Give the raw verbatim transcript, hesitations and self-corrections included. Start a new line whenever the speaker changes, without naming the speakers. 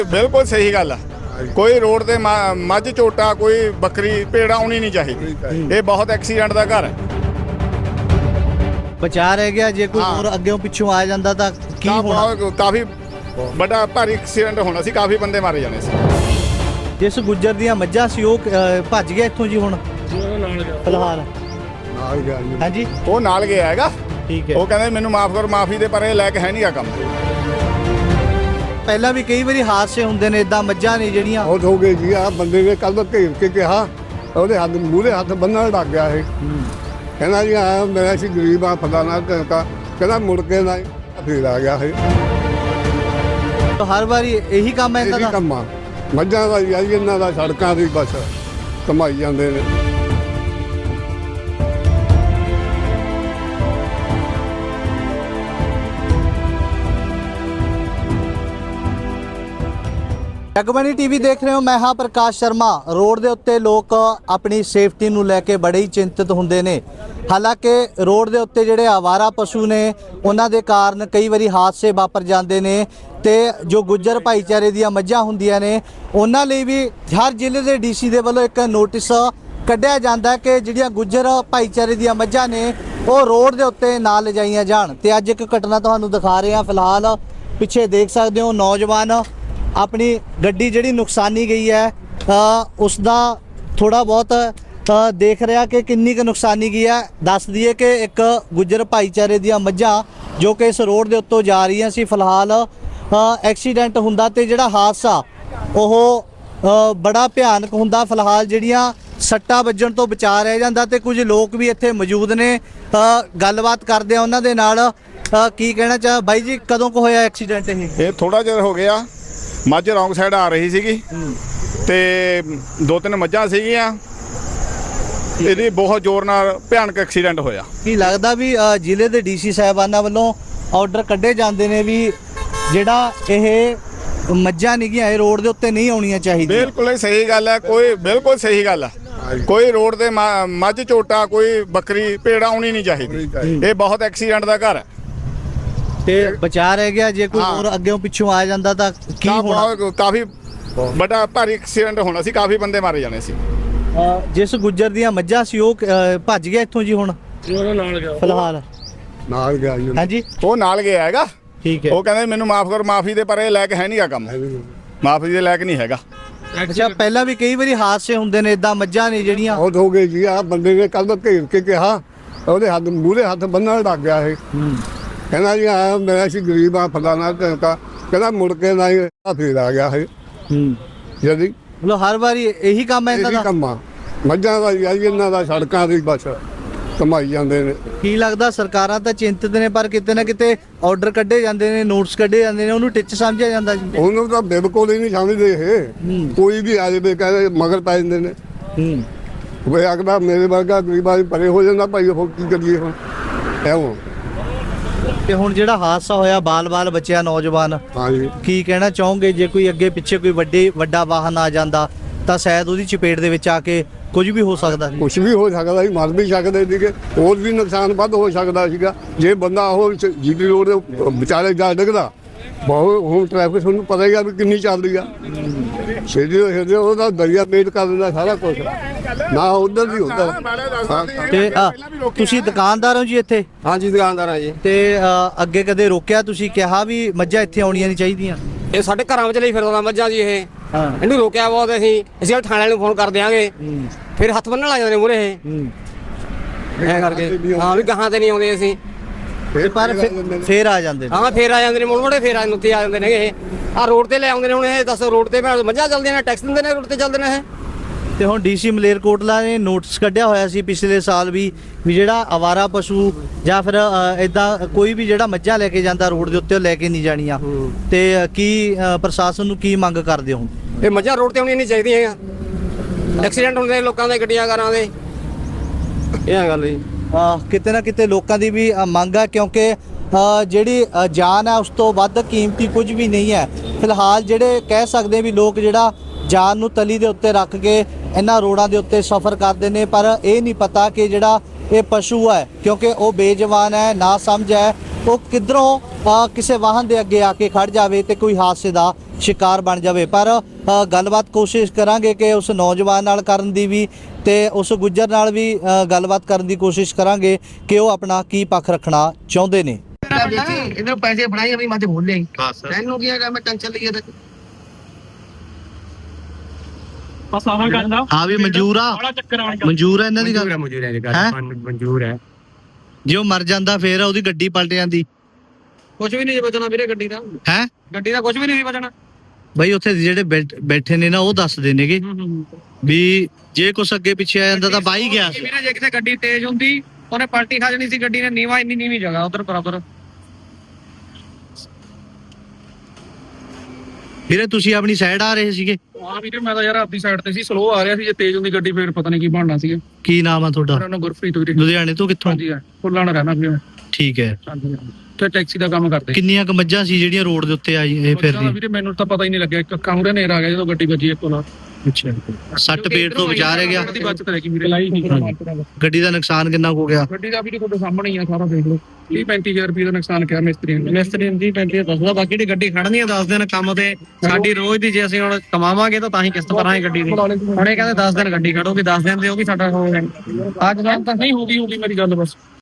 बिल्कुल सही गल है। कोई रोड ते मझ झोटा कोई बकरी भेड़ आनी नहीं चाहिए। ये बहुत एक्सीडेंट का घर है।
बचा रह गया जे कोई
हाँ।
और अगे पिछों आ जाता तो की होना?
बहुत- काफी बड़ा भारी एक्सीडेंट होना सी, काफी बंदे मारे जाने सी।
जिस गुज्जर दियां मੱਝਾਂ ਸੀ ਉਹ ਅ, ਭੱਜ ਗਿਆ ਇੱਥੋਂ ਜੀ ਹੁਣ ਫਿਲਹਾਲ हाँ जी
ਉਹ ਨਾਲ ਗਿਆ ਹੈਗਾ।
ठीक है।
ਉਹ ਕਹਿੰਦੇ ਮੈਨੂੰ ਮਾਫ ਕਰੋ, ਮਾਫੀ ਦੇ ਪਰ ਇਹ ਲੈ ਕੇ ਹੈ ਨਹੀਂਗਾ ਕੰਮ।
ਪਹਿਲਾਂ ਵੀ ਕਈ ਵਾਰੀ ਹਾਦਸੇ ਹੁੰਦੇ ਨੇ ਇਦਾਂ ਮੱਝਾਂ ਨੇ ਜਿਹੜੀਆਂ
ਬਹੁਤ ਹੋ ਗਏ ਜੀ। ਆ ਬੰਦੇ ਨੇ ਕੱਲ ਘੇਰ ਕੇ ਕਿਹਾ, ਉਹਦੇ ਹੱਥ ਮੂਹਰੇ ਹੱਥ ਬੰਨਣ ਲੱਗ ਗਿਆ ਇਹ। ਕਹਿੰਦਾ ਜੀ ਆ ਮੇਰਾ ਸੀ ਗਰੀਬ ਆ ਫਲਾਣਾ ਕਹਿੰਦਾ ਕਹਿੰਦਾ ਮੁੜ ਕੇ ਨਾ ਫੇਰ ਆ ਗਿਆ ਇਹ।
ਹਰ ਵਾਰੀ ਇਹੀ ਕੰਮ ਹੈ
ਇਹ
ਇਹਨਾਂ
ਵੀ
ਦਾ।
ਕੰਮ ਆ ਮੱਝਾਂ ਦਾ ਜੀ ਇਹਨਾਂ ਦਾ ਸੜਕਾਂ ਦੀ ਬਸ ਕਮਾਈ ਜਾਂਦੇ ਨੇ।
ਜਗਬਾਣੀ ਟੀਵੀ ਦੇਖ ਰਹੇ ਹੋ, ਮੈਂ ਹਾਂ ਪ੍ਰਕਾਸ਼ ਸ਼ਰਮਾ। ਰੋਡ ਦੇ ਉੱਤੇ ਲੋਕ ਆਪਣੀ ਸੇਫਟੀ ਨੂੰ ਲੈ ਕੇ ਬੜੇ ਹੀ ਚਿੰਤਤ ਹੁੰਦੇ ਨੇ। ਹਾਲਾਂਕਿ ਰੋਡ ਦੇ ਉੱਤੇ ਜਿਹੜੇ ਆਵਾਰਾ ਪਸ਼ੂ ਨੇ ਉਹਨਾਂ ਦੇ ਕਾਰਨ ਕਈ ਵਾਰੀ ਹਾਦਸੇ ਵਾਪਰ ਜਾਂਦੇ ਨੇ ਤੇ ਜੋ ਗੁੱਜਰ ਭਾਈਚਾਰੇ ਦੀਆਂ ਮੱਝਾਂ ਹੁੰਦੀਆਂ ਨੇ ਉਹਨਾਂ ਲਈ ਵੀ ਹਰ ਜ਼ਿਲ੍ਹੇ ਦੇ ਡੀਸੀ ਦੇ ਵੱਲੋਂ ਇੱਕ ਨੋਟਿਸ ਕੱਢਿਆ ਜਾਂਦਾ ਕਿ ਜਿਹੜੀਆਂ ਗੁੱਜਰ ਭਾਈਚਾਰੇ ਦੀਆਂ ਮੱਝਾਂ ਨੇ ਉਹ ਰੋਡ ਦੇ ਉੱਤੇ ਨਾ ਲਿਜਾਈਆਂ ਜਾਣ। ਤੇ ਅੱਜ ਇੱਕ ਘਟਨਾ ਤੁਹਾਨੂੰ ਦਿਖਾ ਰਹੇ ਹਾਂ। ਫਿਲਹਾਲ ਪਿੱਛੇ ਦੇਖ ਸਕਦੇ ਹੋ ਨੌਜਵਾਨ अपनी गड्डी जी नुकसानी गई है, आ, उसका थोड़ा बहुत आ, देख रहा कि किन्नी क नुकसानी गई है। दस दिए कि एक गुज्जर भाईचारे दियां मੱਝਾਂ जो कि इस रोड के उत्तों जा रही सी, फिलहाल एक्सीडेंट हुंदा ते जिहड़ा हादसा ओह बड़ा भयानक हुंदा। फिलहाल जिहड़ियां सट्टा वजन तो बचा रह जांदा ते कुछ लोग भी इत्थे मौजूद ने। गलबात करदे आ उन्हां दे नाल। की कहना चाह बाई जी, कदों को होया एक्सीडेंट?
ਇਹ ਥੋੜਾ ਜਿਹਾ ਹੋ ਗਿਆ। ਮੱਝ ਰੌਂਗ ਸਾਈਡ ਆ ਰਹੀ ਸੀਗੀ ਤੇ ਦੋ ਤਿੰਨ ਮੱਝਾਂ ਸੀਗੀਆਂ। ਇਹਦੀ ਬਹੁਤ ਜ਼ੋਰ ਨਾਲ ਭਿਆਨਕ ਐਕਸੀਡੈਂਟ ਹੋਇਆ।
ਕੀ ਲੱਗਦਾ ਵੀ ਅ, ਜ਼ਿਲ੍ਹੇ ਦੇ ਡੀਸੀ ਸਾਹਿਬਾਨਾਂ ਵੱਲੋਂ ਆਰਡਰ ਕੱਢੇ ਜਾਂਦੇ ਨੇ ਵੀ ਜਿਹੜਾ ਇਹ ਮੱਝਾਂ ਨਿਗੀਆਂ ਇਹ ਰੋਡ ਦੇ ਉੱਤੇ ਨਹੀਂ ਆਉਣੀਆਂ ਚਾਹੀਦੀਆਂ?
ਬਿਲਕੁਲ ਹੀ ਸਹੀ ਗੱਲ ਹੈ। ਕੋਈ ਬਿਲਕੁਲ ਸਹੀ ਗੱਲ ਹੈ। ਕੋਈ ਰੋਡ ਤੇ ਮ- ਮੱਝ ਝੋਟਾ ਕੋਈ ਬੱਕਰੀ ਭੇੜ ਆਉਣੀ ਨਹੀਂ ਚਾਹੀਦੀ। ਇਹ ਬਹੁਤ ਐਕਸੀਡੈਂਟ ਦਾ ਘਰ ਹੈ।
ਤੇ ਬਚਾ ਰਹਿ ਗਿਆ ਜੇ ਕੋਈ
ਹਾਂ।
ਹੋਰ ਅੱਗੇ ਪਿੱਛੋਂ ਆ ਜਾਂਦਾ ਤਾਂ ਕੀ
ਕਾ-
ਹੋਣਾ?
ਬਹੁਤ- ਕਾਫੀ ਵੱਡਾ ਭਾਰੀ ਐਕਸੀਡੈਂਟ ਹੋਣਾ ਸੀ, ਕਾਫੀ ਬੰਦੇ ਮਾਰੇ ਜਾਣੇ ਸੀ।
ਅ, ਜਿਸ ਗੁੱਜਰ ਦੀਆਂ ਮੱਝਾਂ ਸੀ ਉਹ ਅ, ਭੱਜ ਗਿਆ ਇੱਥੋਂ ਜੀ ਹੁਣ ਫਿਲਹਾਲ
ਨਾਲ ਗਿਆ ਜੀ।
ਹਾਂਜੀ
ਉਹ ਨਾਲ ਗਿਆ ਹੈਗਾ।
ਠੀਕ ਹੈ।
ਉਹ ਕਹਿੰਦੇ ਮੈਨੂੰ ਮਾਫ ਕਰੋ, ਮਾਫੀ ਦੇ ਪਰ ਇਹ ਲੈ ਕੇ ਹੈ ਨਹੀਂਗਾ ਕੰਮ। ਮਾਫੀ ਦੇ ਲਾਇਕ ਨਹੀਂ ਹੈਗਾ।
ਅੱਛਾ, ਪਹਿਲਾਂ ਵੀ ਕਈ ਵਾਰੀ ਹਾਦਸੇ ਹੁੰਦੇ ਨੇ ਇਦਾਂ ਮੱਝਾਂ ਨੇ ਜਿਹੜੀਆਂ।
ਬਹੁਤ ਹੋ ਗਏ ਜੀ। ਆ ਬੰਦੇ ਨੇ ਕੱਲ ਘੇਰ ਕੇ ਕਿਹਾ, ਉਹਦੇ ਹੱਥ ਮੂਹਰੇ ਹੱਥ ਬੰਨਣ ਲੱਗ ਗਿਆ ਇਹ। ਕਹਿੰਦਾ ਜੀ ਆ ਮੇਰਾ ਸੀ ਗਰੀਬ ਆ ਫਲਾਣਾ ਕਹਿੰਦਾ ਕਹਿੰਦਾ ਮੁੜ ਕੇ ਨਾ ਫੇਰ ਆ ਗਿਆ ਇਹ।
ਹੂੰ
ਜਦੀ
ਮਤਲਬ ਹਰ ਵਾਰੀ ਇਹੀ ਕੰਮ ਹੈ
ਇਹ
ਇਹਨਾਂ
ਵੀ
ਦਾ।
ਕੰਮ ਆ ਮੱਝਾਂ ਦਾ ਜੀ ਇਹਨਾਂ ਦਾ ਸੜਕਾਂ ਦੀ ਬਸ ਕਮਾਈ ਜਾਂਦੇ ਨੇ।
ਕੀ ਲੱਗਦਾ ਸਰਕਾਰਾਂ ਤਾਂ ਚਿੰਤਤ ਨੇ ਪਰ ਕਿਤੇ ਨਾ ਕਿਤੇ ਆਰਡਰ ਕੱਢੇ ਜਾਂਦੇ ਨੇ, ਨੋਟਿਸ ਕੱਢੇ ਜਾਂਦੇ ਨੇ, ਉਹਨੂੰ ਟਿੱਚ ਸਮਝਿਆ ਜਾਂਦਾ ਜੀ?
ਉਹਨੂੰ ਤਾਂ ਬਿਲਕੁਲ ਹੀ ਨਹੀਂ ਸਮਝਦੇ ਇਹ। ਕੋਈ ਵੀ ਆ ਜਾਵੇ ਕਹਿੰਦੇ ਮਗਰ ਪੈ ਜਾਂਦੇ ਨੇ।
ਹੂੰ
ਵੇ ਆਖਦਾ ਮੇਰੇ ਵਰਗਾ ਗਰੀਬਾਂ ਦੀ ਪਰੇ ਹੋ ਜਾਂਦਾ ਭਾਈ, ਉਹ ਕੀ ਕਰੀਏ ਹੁਣ ਐਵੇਂ।
ਤੇ ਹੁਣ ਜਿਹੜਾ ਹਾਦਸਾ ਹੋਇਆ ਬਾਲ-ਬਾਲ ਬੱਚਿਆ ਨੌਜਵਾਨ,
ਹਾਂਜੀ
ਕੀ ਕਹਿਣਾ ਚਾਹੋਗੇ? ਜੇ ਕੋਈ ਅੱਗੇ ਪਿੱਛੇ ਕੋਈ ਵੱਡੇ ਵੱਡਾ ਵਾਹਨ ਆ ਜਾਂਦਾ ਤਾਂ ਸ਼ਾਇਦ ਉਹਦੀ ਚਪੇਟ ਦੇ ਵਿੱਚ ਆ ਕੇ ਕੁਝ ਵੀ ਹੋ ਸਕਦਾ ਸੀ।
ਕੁਛ ਵੀ ਹੋ ਸਕਦਾ ਸੀ, ਮਰ ਵੀ ਸਕਦੇ ਸੀਗੇ, ਹੋਰ ਵੀ ਨੁਕਸਾਨ ਵੱਧ ਹੋ ਸਕਦਾ ਸੀਗਾ ਜੇ ਬੰਦਾ ਉਹ ਜੀਟੀ ਰੋਡ ਦੇ ਵਿਚਾਲੇ ਜਾ ਡਿੱਗਦਾ। ਬਹੁਤ ਹੁਣ ਟ੍ਰੈਫਿਕ ਤੁਹਾਨੂੰ ਪਤਾ ਹੀ ਆ ਵੀ ਕਿੰਨੀ ਚੱਲਦੀ ਆ। ਛੇੜੀ ਛੇੜੀ ਉਹਦਾ ਦਰਿਆ ਮੇਟ ਕਰ ਦਿੰਦਾ ਸਾਰਾ ਕੁਝ, ਨਾ ਉਧਰ ਵੀ ਉਧਰ।
ਤੇ ਆ, ਤੁਸੀਂ ਦੁਕਾਨਦਾਰ ਹੋ ਜੀ ਇੱਥੇ?
ਹਾਂਜੀ ਦੁਕਾਨਦਾਰ ਆ ਜੀ।
ਤੇ ਅ, ਅੱਗੇ ਕਦੇ ਰੋਕਿਆ ਤੁਸੀਂ, ਕਿਹਾ ਵੀ ਮੱਝਾਂ ਇੱਥੇ ਆਉਣੀਆਂ ਨਹੀਂ ਚਾਹੀਦੀਆਂ?
ਇਹ ਸਾਡੇ ਘਰਾਂ ਵਿੱਚ ਲਈ ਫਿਰਦਾ ਮੱਝਾਂ ਜੀ ਇਹ।
ਹਾਂ।
ਇਹਨੂੰ ਰੋਕਿਆ ਬਹੁਤ ਅਸੀਂ ਅਸੀਂ ਥਾਣੇ ਵਾਲੇ ਨੂੰ ਫੋਨ ਕਰ ਦਿਆਂਗੇ। ਫਿਰ ਹੱਥ ਬੰਨਣ ਲੱਗ ਜਾਂਦੇ ਨੇ ਮੂਹਰੇ ਇਹ ਐ ਕਰਕੇ। ਹਾਂ ਵੀ ਗਾਹਾਂ ਤੇ ਨਹੀਂ ਆਉਂਦੇ ਅਸੀਂ।
ਤੇ ਪਰ ਫਿਰ- ਫੇਰ ਆ ਜਾਂਦੇ ਨੇ।
ਹਾਂ ਫੇਰ ਆ ਜਾਂਦੇ ਨੇ ਮੁੜ ਮੁੜੇ ਫੇਰ ਆ ਉੱਤੇ ਆ ਜਾਂਦੇ ਨੇ ਇਹ। ਆ ਰੋਡ ਤੇ ਲੈ ਆਉਂਦੇ ਨੇ ਹੁਣ ਇਹ। ਦੱਸ ਰੋਡ ਤੇ ਮੱਝਾਂ ਚੱਲਦੀਆਂ ਨੇ, ਟੈਕਸ ਦਿੰਦੇ ਨੇ, ਰੋਡ ਤੇ ਚੱਲਦੇ ਨੇ ਇਹ।
ਤੇ ਹੁਣ ਡੀਸੀ ਮਲੇਰਕੋਟਲਾ ਨੇ ਨੋਟਿਸ ਕੱਢਿਆ ਹੋਇਆ ਸੀ ਪਿਛਲੇ ਸਾਲ ਵੀ ਵੀ ਜਿਹੜਾ ਆਵਾਰਾ ਪਸ਼ੂ ਜਾਂ ਫਿਰ ਇਦਾਂ ਕੋਈ ਵੀ ਜਿਹੜਾ ਮੱਝਾਂ ਲੈ ਕੇ ਜਾਂਦਾ ਰੋਡ ਦੇ ਉੱਤੇ ਉਹ ਲੈ ਕੇ ਨਹੀਂ ਜਾਣੀਆਂ। ਤੇ ਅ, ਕੀ ਅ, ਪ੍ਰਸ਼ਾਸਨ ਨੂੰ ਕੀ ਮੰਗ ਕਰਦੇ ਹੋ?
ਇਹ ਮੱਝਾਂ ਰੋਡ ਤੇ ਆਉਣੀਆਂ ਨਹੀਂ ਚਾਹੀਦੀਆਂ। ਐਕਸੀਡੈਂਟ ਹੁੰਦੇ ਨੇ ਲੋਕਾਂ ਦੇ, ਗੱਡੀਆਂ ਕਾਰਾਂ ਦੇ। ਇਹ ਗੱਲ ਜੀ।
ਅ, ਕਿਤੇ ਨਾ ਕਿਤੇ ਲੋਕਾਂ ਦੀ ਵੀ ਅ, ਮੰਗ ਆ ਕਿਉਂਕਿ ਅ, ਜਿਹੜੀ ਅ, ਜਾਨ ਹੈ ਉਸ ਤੋਂ ਵੱਧ ਕੀਮਤੀ ਕੁਝ ਵੀ ਨਹੀਂ ਹੈ। ਫਿਲਹਾਲ ਜਿਹੜੇ ਕਹਿ ਸਕਦੇ ਵੀ ਲੋਕ ਜਿਹੜਾ ਜਾਨ ਨੂੰ ਤਲੀ ਦੇ ਉੱਤੇ ਰੱਖ ਕੇ ਇਹਨਾਂ ਰੋਡਾਂ ਦੇ ਉੱਤੇ ਸਫ਼ਰ ਕਰਦੇ ਨੇ, ਪਰ ਇਹ ਨਹੀਂ ਪਤਾ ਕਿ ਜਿਹੜਾ ਇਹ ਪਸ਼ੂ ਹੈ ਕਿਉਂਕਿ ਉਹ ਬੇਜਵਾਨ ਹੈ, ਨਾ ਸਮਝ ਹੈ, ਉਹ ਕਿੱਧਰੋਂ ਅ, ਕਿਸੇ ਵਾਹਨ ਦੇ ਅੱਗੇ ਆ ਕੇ ਖੜ ਜਾਵੇ ਤੇ ਕੋਈ ਹਾਦਸੇ ਦਾ ਸ਼ਿਕਾਰ ਬਣ ਜਾਵੇ। ਪਰ ਅ, ਗੱਲਬਾਤ ਕੋਸ਼ਿਸ਼ ਕਰਾਂਗੇ ਕਿ ਉਸ ਨੌਜਵਾਨ ਨਾਲ ਕਰਨ ਦੀ ਵੀ ਤੇ ਉਸ ਗੁੱਜਰ ਨਾਲ ਵੀ ਅ, ਗੱਲਬਾਤ ਕਰਨ ਦੀ ਕੋਸ਼ਿਸ਼ ਕਰਾਂਗੇ ਕਿ ਉਹ ਆਪਣਾ ਕੀ ਪੱਖ ਰੱਖਣਾ ਚਾਹੁੰਦੇ ਨੇ।
ਇਹਨਾਂ ਪੈਸੇ ਫੜਾਈ ਆਪਣੀ ਮੱਝ ਬੋਲ ਲਈ ਤੈਨੂੰ ਕੀ ਹੈਗਾ ਮੈਂ ਟੈਨਸ਼ਨ ਲਈ ਤੇ
ਬਸ ਆਹ ਗੱਲ ਆ।
ਹਾਂ ਵੀ ਮਨਜ਼ੂਰ ਆ
ਬੜਾ ਚੱਕਰ ਆਣ
ਮਨਜ਼ੂਰ ਆ ਇਹਨਾਂ ਦੀ ਗੱਲ
ਮਨਜ਼ੂਰ ਹੈ
ਹੈਂ?
ਮਨਜ਼ੂਰ ਹੈ
ਜੇ ਉਹ ਮਰ ਜਾਂਦਾ ਫੇਰ ਉਹਦੀ ਗੱਡੀ ਪਲਟ ਜਾਂਦੀ
ਕੁਝ ਵੀ ਨਹੀਂ ਬਚਣਾ ਵੀਰੇ ਗੱਡੀ ਦਾ
ਹੈ
ਗੱਡੀ ਦਾ ਕੁਝ ਵੀ ਨਹੀਂ ਬਚਣਾ।
ਬਈ ਉੱਥੇ ਜਿਹੜੇ ਬੈਠ- ਬੈਠੇ ਨੇ ਨਾ ਉਹ ਦੱਸਦੇ ਨੇਗੇ ਵੀ ਜੇ ਕੁਛ ਅੱਗੇ ਪਿੱਛੇ ਆ ਜਾਂਦਾ ਤਾਂ ਬਾਈ ਗਿਆ ਸੀ।
ਵੀਰੇ ਜੇ ਕਿਤੇ ਗੱਡੀ ਤੇਜ਼ ਹੁੰਦੀ ਉਹਨੇ ਪਲਟੀ ਖਾ ਜਣੀ ਸੀ ਗੱਡੀ ਨੇ। ਨੀਵਾ ਇੰਨੀ ਨੀਵੀਂ ਜਗ੍ਹਾ ਉਧਰ ਬਰਾਬਰ।
ਵੀਰੇ ਤੁਸੀਂ ਆਪਣੀ ਸਾਈਡ ਆ ਰਹੇ ਸੀਗੇ?
ਹਾਂ ਵੀਰੇ ਮੈਂ ਤਾਂ ਯਾਰ ਆਪਦੀ ਸਾਈਡ ਤੇ ਸੀ, ਸਲੋ ਆ ਰਿਹਾ ਸੀ। ਜੇ ਤੇਜ਼ ਹੁੰਦੀ ਗੱਡੀ ਫੇਰ ਪਤਾ ਨਹੀਂ ਕੀ ਬਣਨਾ ਸੀਗਾ।
ਕੀ ਨਾਮ ਆ ਤੁਹਾਡਾ?
ਮੇਰਾ ਨਾਮ ਗੁਰਪ੍ਰੀਤ ਵੀਰੇ।
ਲੁਧਿਆਣੇ ਤੋਂ ਕਿੱਥੋਂ?
ਹਾਂਜੀ ਫੁੱਲਾਂ ਨਾਲ ਰਹਿਣਾ ਵੀਰੇ।
ਠੀਕ ਹੈ।
ਹਾਂਜੀ ਤੇ ਟੈਕਸੀ ਦਾ ਕੰਮ ਕਰਦੇ।
ਕਿੰਨੀਆਂ ਕੁ ਮੱਝਾਂ ਸੀ ਜਿਹੜੀਆਂ ਰੋਡ ਦੇ ਉੱਤੇ ਆਈ ਇਹ ਫਿਰ
ਵੀਰੇ ਮੈਨੂੰ ਤਾਂ ਪਤਾ ਹੀ ਨਹੀਂ ਲੱਗਿਆ, ਇੱਕ ਕਾਂਗੜੇ ਨੇਰ ਆ ਗਿਆ ਜਦੋਂ ਗੱਡੀ ਵੱਜੀ ਇੱਕ ਨਾਲ।
ਅੱਛਾ ਸੱਟ ਪੇਟ ਤੋਂ ਬਚਾ ਰਹਿ ਗਿਆ?
ਗੱਡੀ ਬਚਤ ਰਹਿ ਗਈ ਵੀਰੇ। ਲਾਈ ਨਹੀਂ
ਗੱਡੀ ਦਾ ਨੁਕਸਾਨ ਕਿੰਨਾ ਕੁ ਹੋ ਗਿਆ?
ਗੱਡੀ ਦਾ ਵੀ ਤੁਹਾਡੇ ਸਾਹਮਣੇ ਹੀ ਆ ਸਾਰਾ, ਦੇਖ ਲਓ। ਤੀਹ ਪੈਂਤੀ ਹਜ਼ਾਰ ਰੁਪਏ ਦਾ ਨੁਕਸਾਨ ਕਿਹਾ ਮਿਸਤਰੀ ਨੇ।
ਮਿਸਤਰੀ ਦੀ ਪੈਂਤੀ ਦੱਸਦਾ, ਬਾਕੀ ਦੀ ਗੱਡੀ ਖੜਨੀ ਆ ਦਸ ਦਿਨ ਕੰਮ ਤੇ ਸਾਡੀ ਰੋਜ਼ ਦੀ। ਜੇ ਅਸੀਂ ਹੁਣ ਕਮਾਵਾਂਗੇ ਤਾਂ ਤਾਂ ਹੀ ਕਿਸ਼ਤ ਭਰਾਂਗੇ ਗੱਡੀ ਦੀ। ਹੁਣ ਇਹ ਕਹਿੰਦੇ ਦਸ ਦਿਨ ਗੱਡੀ ਖੜੋਗੀ, ਦਸ ਦਿਨ ਦੇ ਉਹ ਵੀ ਸਾਡਾ ਹੋ ਜਾਣਾ। ਅੱਜ ਕੱਲ੍ਹ ਤਾਂ
ਨਹੀਂ ਹੋਗੀ ਹੋਗੀ ਮੇਰੀ ਗੱਲ ਬਸ।